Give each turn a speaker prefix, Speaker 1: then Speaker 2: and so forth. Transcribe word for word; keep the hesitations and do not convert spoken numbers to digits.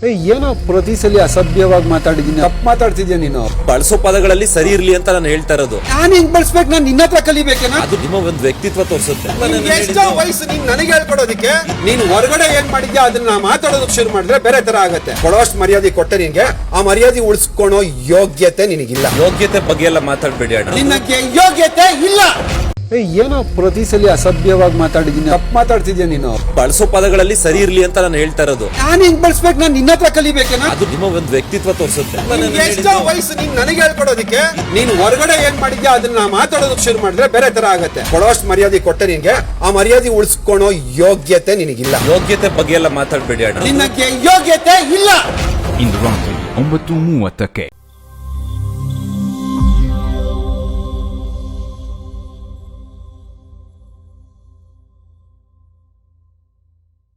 Speaker 1: ಏನೋ ಪ್ರತಿ ಸಲ ಅಸಭ್ಯವಾಗಿ ಮಾತಾಡಿದೀನಿ, ತಪ್ಪು ಮಾತಾಡ್ತಿದ್ಯಾ ನೀನು.
Speaker 2: ಬಳಸೋ ಪದಗಳಲ್ಲಿ ಸರಿ ಇರ್ಲಿ ಅಂತ ನಾನು ಹೇಳ್ತಾ ಇರೋದು.
Speaker 1: ನಾನು ಹೆಂಗ್ ಬಳಸ್ಬೇಕು? ನಾನು ನಿನ್ನ ಹತ್ರ ಕಲಿಬೇಕೇನಾ?
Speaker 2: ಅದು ನಿಮ್ಮ ಒಂದು ವ್ಯಕ್ತಿತ್ವ ತೋರಿಸುತ್ತೆ.
Speaker 1: ಎಷ್ಟೋ ವಯಸ್ಸು ನೀನ್ ನನಗೆ ಹೇಳ್ಕೊಡೋದಕ್ಕೆ, ನೀನು ಹೊರಗಡೆ ಏನ್ ಮಾಡಿದ್ಯಾ ಅದನ್ನ ಮಾತಾಡೋದಕ್ಕೆ ಶುರು ಮಾಡಿದ್ರೆ ಬೇರೆ ತರ ಆಗತ್ತೆ. ಕೊಡೋಷ್ಟು ಮರ್ಯಾದೆ ಕೊಟ್ಟೆ ನಿನ್ಗೆ, ಆ ಮರ್ಯಾದೆ ಉಳಿಸ್ಕೊಳೋ ಯೋಗ್ಯತೆ ನಿನಗಿಲ್ಲ.
Speaker 2: ಯೋಗ್ಯತೆ ಬಗ್ಗೆ ಎಲ್ಲ ಮಾತಾಡ್ಬೇಡಿ ಅಣ್ಣ.
Speaker 1: ನಿನ್ನಕ್ಕೆ ಯೋಗ್ಯತೆ ಇಲ್ಲ. ಏನೋ ಪ್ರತಿ ಸಲ ಅಸಭ್ಯವಾಗಿ ಮಾತಾಡಿದೀನಿ, ತಪ್ಪು ಮಾತಾಡ್ತಿದ್ಯಾ ನೀನು.
Speaker 2: ಬಳಸೋ ಪದಗಳಲ್ಲಿ ಸರಿ ಇರ್ಲಿ ಅಂತ ನಾನು ಹೇಳ್ತಾ ಇರೋದು.
Speaker 1: ನಾನು ಹೆಂಗ್ ಬಳಸ್ಬೇಕು? ನಾನು ನಿನ್ನ ಹತ್ರ ಕಲಿಬೇಕೇನಾ?
Speaker 2: ಅದು ನಿಮ್ಮ ಒಂದು ವ್ಯಕ್ತಿತ್ವ ತೋರಿಸುತ್ತೆ.
Speaker 1: ಎಷ್ಟೋ ವಯಸ್ಸು ನೀನ್ ನನಗೆ ಹೇಳ್ಕೊಡೋದಕ್ಕೆ, ನೀನು ಹೊರಗಡೆ ಏನ್ ಮಾಡಿದ್ಯಾ ಅದನ್ನ ಮಾತಾಡೋದಕ್ಕೆ ಶುರು ಮಾಡಿದ್ರೆ ಬೇರೆ ತರ ಆಗತ್ತೆ. ಕೊಡೋಷ್ಟು ಮರ್ಯಾದೆ ಕೊಟ್ಟೆ ನಿನ್ಗೆ, ಆ ಮರ್ಯಾದೆ ಉಳಿಸ್ಕೊಳೋ ಯೋಗ್ಯತೆ ನಿನಗಿಲ್ಲ.
Speaker 2: ಯೋಗ್ಯತೆ ಬಗ್ಗೆ ಎಲ್ಲ ಮಾತಾಡ್ಬೇಡಿ ಅಣ್ಣ.
Speaker 1: ನಿನ್ನಕ್ಕೆ ಯೋಗ್ಯತೆ ಇಲ್ಲ.
Speaker 3: ಇಂದು ರಾತ್ರಿ ಒಂಬತ್ತು ಮೂವತ್ತಕ್ಕೆ